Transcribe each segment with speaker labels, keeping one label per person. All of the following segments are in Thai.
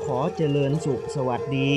Speaker 1: อเจริญสุขสวัสดี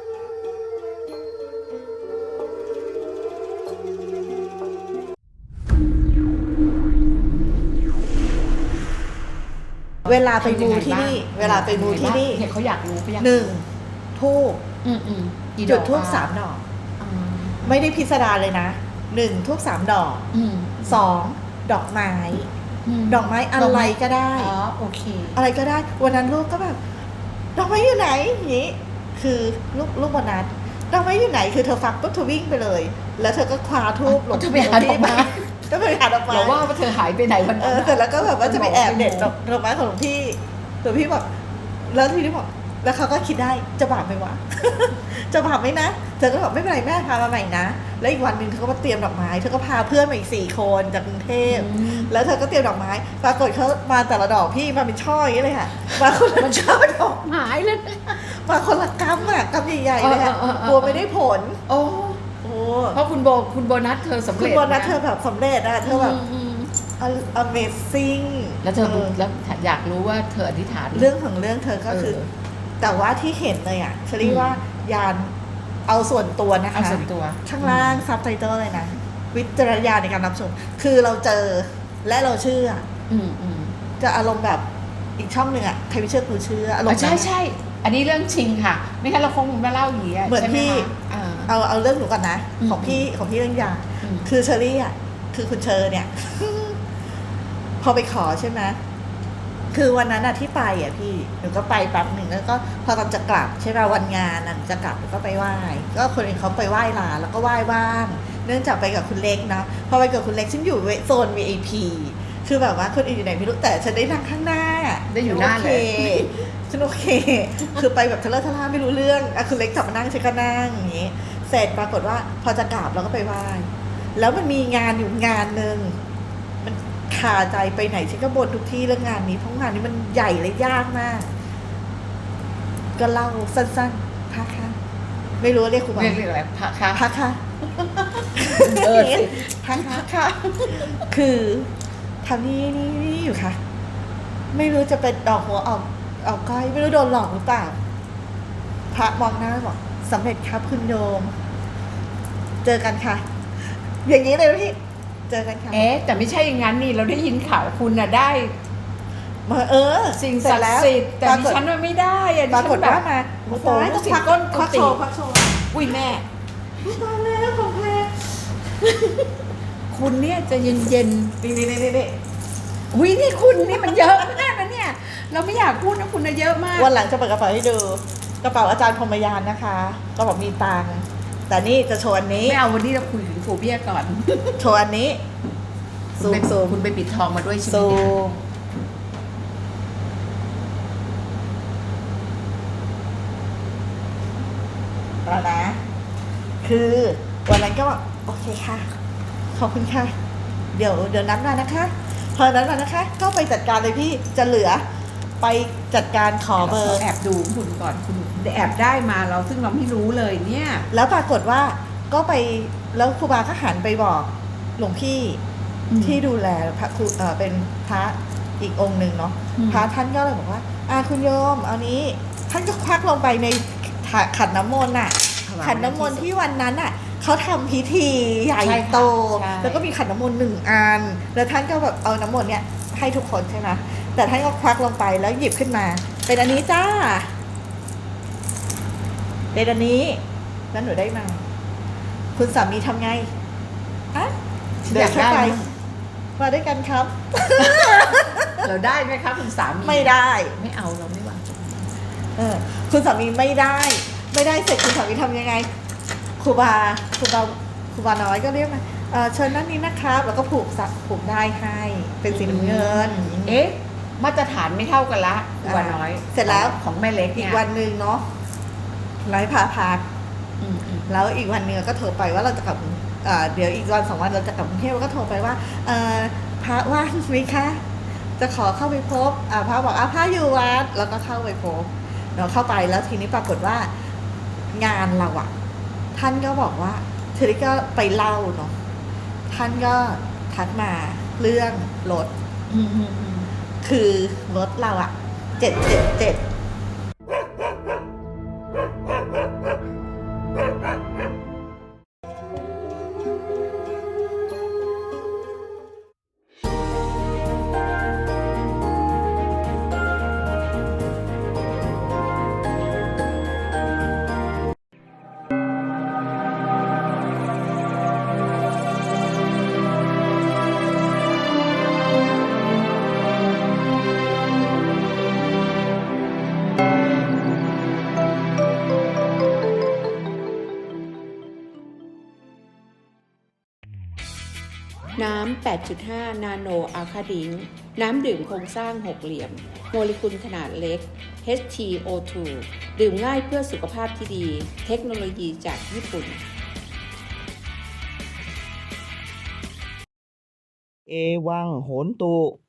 Speaker 2: เวลาไปมูที่นี่
Speaker 3: เนี่ยเขาอยากรู้
Speaker 2: หนึ่งทูบจุดทูบ3 ดอก ไม่ได้พิสดารเลยนะ1ทูบ3 ดอก2ดอกไม้ดอกไม้อะไรก็ได้
Speaker 3: โอเค
Speaker 2: อะไรก็ได้วันนั้นลูกก็แบบดอกไม้อยู่ไหนอย่างนี้คือลูกวันนั้นดอกไม้อยู่ไหนคือเธอฟังปุ๊บเธอวิ่งไปเลยแล้วเธอก็คว้าทูบหลบ
Speaker 3: จะไปหาดอกไม้
Speaker 2: ก็ไปหาดอกไม้
Speaker 3: เราว่าเธอหายไปไหนวันนั้น
Speaker 2: เสร็จแล้วก็แบบว่าจะไปแอบเด็ดดอกไม้ของหลวงพี่บอกแล้วทีนี้บอกแล้วเขาก็คิดได้จะบาปไหมวะ จะบาปไหมนะเธอก็บอกไม่เป็นไรแม่พามาใหม่นะแล้วอีกวันหนึ่งเธอก็มาเตรียมดอกไม้เธอก็พาเพื่อนมาอีก4 คนจากกรุงเทพแล้วเธอก็เตรียมดอกไม้ปรากฏเขามาแต่ละดอกพี่มาเป็นช่ออย่างนี้เลยค่ะมาคนละช่อดอก
Speaker 3: หายเลย
Speaker 2: มาคนละกำอะกำใหญ่ๆเลยค่ะกลัวไม่ได้ผล
Speaker 3: โอ้เพราะคุณโบนัสเธอสำเร็จ
Speaker 2: คุณโบนัสเธอแบบสำเร็จอะเธอแบบamazing
Speaker 3: แล้วเธอแล้วอยากรู้ว่าเธออธิษฐาน
Speaker 2: เรื่องของเรื่องเธอก็คือแต่ว่าที่เห็นเลยอ่ะเชอรี่ว่ายานเอาส่วนตัวนะคะ
Speaker 3: เอาส่วนตัว
Speaker 2: ข้างล่างซับไตเติลเลยนะวิจารณญาณในการรับชมคือเราเจอและเราเชื่อจะอารมณ์แบบอีกช่องหนึ่งอ่ะใครไม่เชื่อกูเชื่ออารมณ์
Speaker 3: ใช่อันนี้เรื่องจริงค่ะไม่งั้นเราคงไม่เล่าอย่างนี้
Speaker 2: เหมือนพี่เอาเรื่องหนูก่อนนะของพี่เรื่องยาคือเชอรี่อ่ะคือคุณเชอเนี่ย พอไปขอใช่ไหมคือวันนั้นอะที่ไปอะพี่หนูก็ไปแป๊บหนึ่งแล้วก็พอตอนจะกลับใช่ไหมวันงานน่ะจะกลับหนูก็ไปไหว้ก็คนอื่นเขาไปไหว้ลาแล้วก็ไหว้บ้างเนื่องจากไปกับคุณเล็กนะพอไปกับคุณเล็กฉันอยู่โซน VIP คือแบบว่าคนอื่นอยู่ไหนไม่รู้แต่ฉันได้นั่งข้างหน้า
Speaker 3: ได้อยู่หน้าเลย
Speaker 2: ฉันโอเคคือไปแบบทะเลาะทะล่าไม่รู้เรื่องอะคุณเล็กกลับมานั่งฉันก็นั่งอย่างนี้เสร็จปรากฏว่าพอจะกลับเราก็ไปไหว้แล้วมันมีงานอยู่งานนึงคาใจไปไหนฉันก็บ่นทุกที่เรื่องงานนี้เพราะงานนี้มันใหญ่และยากมากก็เล่าสั้นๆพระค่ะไม่รู้เรียกครูบา
Speaker 3: เรียกอะไรพระค่ะ
Speaker 2: พระค่ะพระค่ะคือทำนี่อยู่ค่ะไม่รู้จะเป็นดอกหัวออกก้อยไม่รู้โดนหลอกหรือเปล่าพระมองหน้าบอกสำเร็จครับคุณโยมเจอกันค่ะอย่างนี้เลยพี่เจอกันค่ะ
Speaker 3: แต่ไม่ใช่อย่างนั้นนี่เราได้ยินข่าวคุณน่ะได้สิ่งศักดิ์สิทธิ์แต่ดิฉันมันไม่ได้
Speaker 2: ปรากฏว่ามา
Speaker 3: โอ้โหสิ่งก้นกุฏิ
Speaker 2: พักโชว์
Speaker 3: อุ้ยแม่
Speaker 2: ตายแล้วของแพง
Speaker 3: คุณเนี่ยจะเย็น
Speaker 2: นี่
Speaker 3: อุ้ยนี่คุณนี่มันเยอะมากนะเนี่ยเราไม่อยากพูดนะคุณนะเยอะมาก
Speaker 2: วันหลังจะเปิดกระเป๋าให้ดูกระเป๋าอาจารย์พรหมยานนะคะกระเป๋ามีตังค์แต่นี่จะโชว์อันนี้
Speaker 3: ไม่เอาวันนี้เราคุยถึงโฟเบียก่อน
Speaker 2: โชว์อันนี้
Speaker 3: ซูมคุณไปปิดทองมาด้วยใช่ไหม
Speaker 2: แล้วนะคือวันนั้นก็บอกโอเคค่ะขอบคุณค่ะเดี๋ยวนัดมานะคะพอนัดมานะคะก็ไปจัดการเลยพี่จะเหลือไปจัดการขอเบอร์
Speaker 3: แอบดูคุณก่อนคุณแอบได้มาเราซึ่งเราไม่รู้เลยเนี่ย
Speaker 2: แล้วปรากฏว่าก็ไปแล้วครูบาก็หันไปบอกหลวงพี่ที่ดูแลพระครูเป็นพระอีกองค์หนึ่งเนาะพระท่านก็เลยบอกว่าคุณโยมเอานี้ท่านก็ควักลงไปในขันน้ำมนต์ขันน้ำมนต์ที่วันนั้นเขาทำพิธีใหญ่โตแล้วก็มีขันน้ำมนต์1 อันแล้วท่านก็แบบเอาน้ำมนต์เนี่ยให้ทุกคนใช่ไหมแต่ท่านก็ควักลงไปแล้วหยิบขึ้นมาเป็นอันนี้จ้าเป็นอันนี้แล้วหนูได้มาคุณสามีทำไงเดินเข้าไปมาด้วยกันครับ
Speaker 3: เราได้ไหมครับคุณสามี
Speaker 2: ไม่ได้
Speaker 3: ไม่เอาเราไม่วาง
Speaker 2: คุณสามีไม่ได้เสร็จคุณสามีทำยังไงครูบาน้อยก็เรียกมาเชิญนั่นนี้นะครับแล้วก็ผูกได้ให้เป็นสีน้ำเงิน
Speaker 3: มาตรฐานไม่เท่ากันละครูบาน้อย
Speaker 2: เสร็จแล้ว
Speaker 3: ของแม่เล็ก
Speaker 2: อีกวันนึงเนาะไร้พาพักแล้วอีกวันนึงก็โทรไปว่าเราจะกลับเดี๋ยวอีกวัน2 วันเราจะกลับกรุงเทพก็โทรไปว่าพระว่างไหมคะจะขอเข้าไปพบพระบอกพระอยู่วัดแล้วก็เข้าไปพบเราเข้าไปแล้วทีนี้ปรากฏว่างานเราท่านก็บอกว่าเธอก็ไปเล่าเนาะท่านก็ทักมาเรื่องรถคือรถเรา777
Speaker 3: 8.5 นาโนอัลคาดิงน้ำดื่มโครงสร้างหกเหลี่ยม โมเลกุลขนาดเล็ก HTO2 ดื่มง่ายเพื่อสุขภาพที่ดี เทคโนโลยีจากญี่ปุ่น
Speaker 1: เอวังโหนตุ